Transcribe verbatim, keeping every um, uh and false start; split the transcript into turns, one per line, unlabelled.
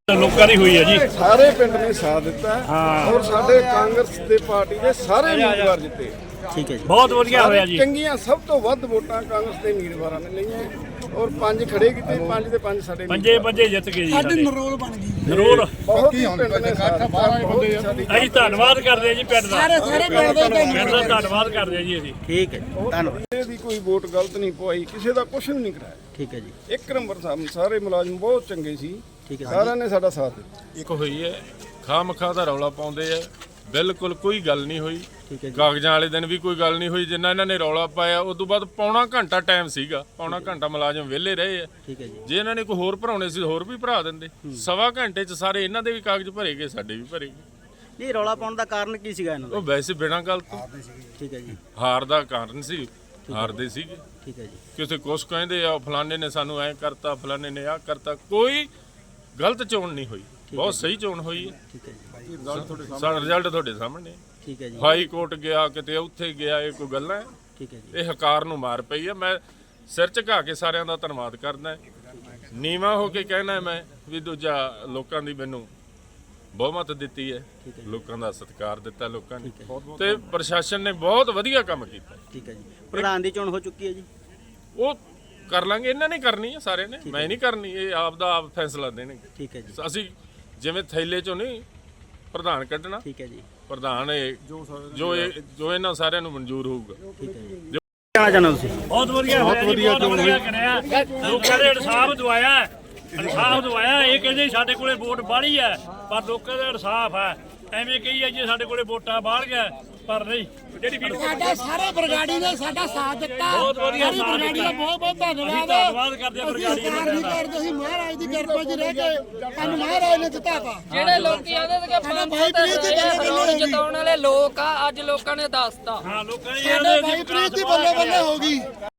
ਲੋਕਾਂ ਦੀ ਹੋਈ ਹੈ ਜੀ।
ਸਾਰੇ ਪਿੰਡ ਨੇ ਸਾਥ ਦਿੱਤਾ ਔਰ ਸਾਡੇ ਕਾਂਗਰਸ ਦੇ ਪਾਰਟੀ ਦੇ ਸਾਰੇ ਉਮੀਦਵਾਰ ਜਿੱਤੇ।
ਠੀਕ ਹੈ ਜੀ,
ਬਹੁਤ ਵਧੀਆ ਹੋਇਆ ਜੀ।
ਚੰਗੀਆਂ ਸਭ ਤੋਂ ਵੱਧ ਵੋਟਾਂ ਕਾਂਗਰਸ ਦੇ ਉਮੀਦਵਾਰਾਂ ਨੇ ਲਈਆਂ ਔਰ ਪੰਜ ਖੜੇ ਕੀਤੇ, ਪੰਜ ਦੇ ਪੰਜ ਸਾਡੇ
ਪੰਜੇ ਪੰਜੇ ਜਿੱਤ ਗਏ ਜੀ।
ਸਾਡੀ ਨਰੋਲ ਬਣ ਗਈ
ਜ਼ਰੂਰ
ਬਹੁਤ ਹੀ ਪਿੰਡ ਨੇ ਸਾਥ ਦਿੱਤਾ।
ਅਸੀਂ ਧੰਨਵਾਦ ਕਰਦੇ ਹਾਂ ਜੀ ਪਿੰਡ ਦਾ।
ਸਾਰੇ ਸਾਰੇ ਪਿੰਡ ਦੇ
ਪਿੰਡ ਦਾ ਧੰਨਵਾਦ ਕਰਦੇ ਹਾਂ ਜੀ ਅਸੀਂ।
ਠੀਕ ਹੈ ਜੀ, ਧੰਨਵਾਦ।
ਕਿਸੇ ਦੀ ਕੋਈ ਵੋਟ ਗਲਤ ਨਹੀਂ ਪਵਾਈ, ਕਿਸੇ ਦਾ ਕੁਝ ਨਹੀਂ ਕਰਾਇਆ।
ਠੀਕ ਹੈ ਜੀ,
ਇੱਕ ਨੰਬਰ ਸਾਨੂੰ ਸਾਰੇ ਮੁਲਾਜ਼ਮ ਬਹੁਤ ਚੰਗੇ ਸੀ,
ਠੀਕ ਹੈ
ਸਾਰਿਆਂ ਨੇ ਸਾਡਾ ਸਾਥ ਦਿੱਤਾ।
ਇੱਕ ਹੋਈ ਹੈ ਖਾਮਖਾ ਦਾ ਰੌਲਾ ਪਾਉਂਦੇ ਆ, ਬਿਲਕੁਲ ਕੋਈ ਗੱਲ ਨਹੀਂ ਹੋਈ।
ਠੀਕ ਹੈ ਜੀ,
ਕਾਗਜ਼ਾਂ ਵਾਲੇ ਦਿਨ ਵੀ ਕੋਈ ਗੱਲ ਨਹੀਂ ਹੋਈ, ਜਿੰਨਾ ਇਹਨਾਂ ਨੇ ਰੌਲਾ ਪਾਇਆ ਉਸ ਤੋਂ ਬਾਅਦ ਪੌਣਾ ਘੰਟਾ ਟਾਈਮ ਸੀਗਾ, ਪੌਣਾ ਘੰਟਾ ਮੁਲਾਜ਼ਮ ਵਿਹਲੇ ਰਹੇ ਆ।
ਠੀਕ ਹੈ ਜੀ,
ਜੇ ਇਹਨਾਂ ਨੇ ਕੋਈ ਹੋਰ ਭਰਾਉਣੇ ਸੀ ਹੋਰ ਵੀ ਭਰਾ ਦਿੰਦੇ। ਸਵਾ ਘੰਟੇ 'ਚ ਸਾਰੇ ਇਹਨਾਂ ਦੇ ਵੀ ਕਾਗਜ਼ ਭਰੇ ਗਏ, ਸਾਡੇ ਵੀ ਭਰੇ ਗਏ।
ਇਹ ਰੌਲਾ ਪਾਉਣ ਦਾ ਕਾਰਨ ਕੀ ਸੀਗਾ ਇਹਨਾਂ ਦਾ?
ਉਹ ਵੈਸੇ ਬਿਨਾਂ ਗੱਲ ਤੋਂ
ਠੀਕ ਹੈ ਜੀ,
ਹਾਰ ਦਾ ਕਾਰਨ ਸੀ, ਹਾਰਦੇ ਸੀਗੇ।
ਠੀਕ ਹੈ ਜੀ,
ਕਿਸੇ ਕੁਛ ਕਹਿੰਦੇ ਆ ਫਲਾਣੇ ਨੇ ਸਾਨੂੰ ਐਂ ਕਰਤਾ, ਫਲਾਣੇ ਨੇ ਆਹ ਕਰਤਾ। ਕੋਈ ਗਲਤ ਚੋਣ ਨਹੀਂ ਹੋਈ, ਬਹੁਤ ਸਹੀ ਚੋਣ ਹੋਈ ਹੈ।
ਠੀਕ ਹੈ ਜੀ,
ਸਾਡਾ ਰਿਜ਼ਲਟ ਤੁਹਾਡੇ ਸਾਹਮਣੇ।
ਠੀਕ ਹੈ ਜੀ,
ਹਾਈ ਕੋਰਟ ਗਿਆ, ਕਿਤੇ ਉੱਥੇ ਗਿਆ, ਇਹ ਕੋਈ ਗੱਲਾਂ ਹੈ?
ਠੀਕ ਹੈ ਜੀ,
ਇਹ ਹਕਾਰ ਨੂੰ ਮਾਰ ਪਈ ਹੈ। ਮੈਂ ਸਿਰ ਝੁਕਾ ਕੇ ਸਾਰਿਆਂ ਦਾ ਧੰਨਵਾਦ ਕਰਦਾ, ਨੀਵਾਂ ਹੋ ਕੇ ਕਹਿਣਾ ਮੈਂ ਵੀ ਦੂਜਾ ਲੋਕਾਂ ਦੀ ਮੈਨੂੰ ਬਹੁਮਤ ਦਿੱਤੀ ਹੈ, ਲੋਕਾਂ ਦਾ ਸਤਿਕਾਰ ਦਿੱਤਾ ਲੋਕਾਂ ਨੇ, ਤੇ ਪ੍ਰਸ਼ਾਸਨ ਨੇ ਬਹੁਤ ਵਧੀਆ ਕੰਮ ਕੀਤਾ।
ਠੀਕ ਹੈ ਜੀ। ਪ੍ਰਧਾਨ ਦੀ ਚੋਣ ਹੋ ਚੁੱਕੀ ਹੈ ਜੀ,
ਉਹ ਕਰ ਲਾਂਗੇ, ਇਹਨਾਂ ਨੇ ਕਰਨੀ ਹੈ ਸਾਰਿਆਂ ਨੇ, ਮੈਂ ਨਹੀਂ ਕਰਨੀ। ਇਹ ਆਪ ਦਾ ਆਪ ਫੈਸਲਾ ਦੇਣਗੇ।
ਠੀਕ ਹੈ ਜੀ,
ਅਸੀਂ ਜਿਵੇਂ ਥੈਲੇ ਚੋਂ ਨਹੀਂ ਪ੍ਰਧਾਨ ਕੱਢਣਾ,
ਠੀਕ ਹੈ ਜੀ,
ਪ੍ਰਧਾਨ ਇਹ ਜੋ ਇਹ ਜੋ ਇਹਨਾਂ ਸਾਰਿਆਂ ਨੂੰ ਮਨਜ਼ੂਰ ਹੋਊਗਾ।
ਠੀਕ ਹੈ ਜੀ। ਕਹਿਣਾ ਚਾਹੁੰਦੇ ਹੋ ਤੁਸੀਂ?
ਬਹੁਤ ਵਧੀਆ ਹੋਇਆ ਜੀ, ਬਹੁਤ ਵਧੀਆ ਕਰਿਆ। ਲੋਕਾਂ ਦੇ ਇਨਸਾਫ ਦਵਾਇਆ, ਇਨਸਾਫ ਦਵਾਇਆ। ਇਹ ਕਹਿੰਦੇ ਸਾਡੇ ਕੋਲੇ ਵੋਟ ਬਾਹਲੀ ਹੈ, ਪਰ ਲੋਕਾਂ ਦਾ ਇਨਸਾਫ ਹੈ। ਐਵੇਂ ਕਹੀ ਹੈ ਜੀ ਸਾਡੇ ਕੋਲੇ ਵੋਟਾਂ ਬਾਹਰ ਗਿਆ, ਪਰ ਨਹੀਂ। ਜਿਹੜੀ
ਸਾਡਾ ਸਾਰੇ ਬਰਗਾੜੀ ਨੇ ਸਾਡਾ ਸਾਥ ਦਿੱਤਾ।
ਬਹੁਤ ਵਧੀਆ
ਸਾਰੀ
ਸਾਥ
ਬਰਗਾੜੀ ਦਾ ਬਹੁਤ ਬਹੁਤ ਧੰਨਵਾਦ।
ਧੰਨਵਾਦ ਕਰਦੇ ਹਾਂ ਬਰਗਾੜੀ ਦਾ।
ਅਸੀਂ ਕਰਦੇ ਸੀ ਮਹਾਰਾਜ ਦੀ ਕਿਰਪਾ 'ਚ ਰਹਿ ਕੇ ਸਾਨੂੰ ਮਹਾਰਾਜ ਨੇ ਦਿੱਤਾ ਤਾ।
ਜਿਹੜੇ ਲੋਕੀ ਆਂਦੇ ਸੀ ਕਿ
ਸਾਡਾ ਭਾਈ ਪ੍ਰੀਤ ਦੀ ਬੱਲੇ ਬੱਲੇ ਹੋ ਗਈ।
ਜਿਤਾਉਣ ਵਾਲੇ ਲੋਕ ਆ, ਅੱਜ ਲੋਕਾਂ ਨੇ ਦੱਸਤਾ।
ਹਾਂ ਲੋਕਾਂ ਨੇ
ਸਾਡੇ ਭਾਈ ਪ੍ਰੀਤ ਦੀ ਬੱਲੇ ਬੱਲੇ ਹੋ ਗਈ।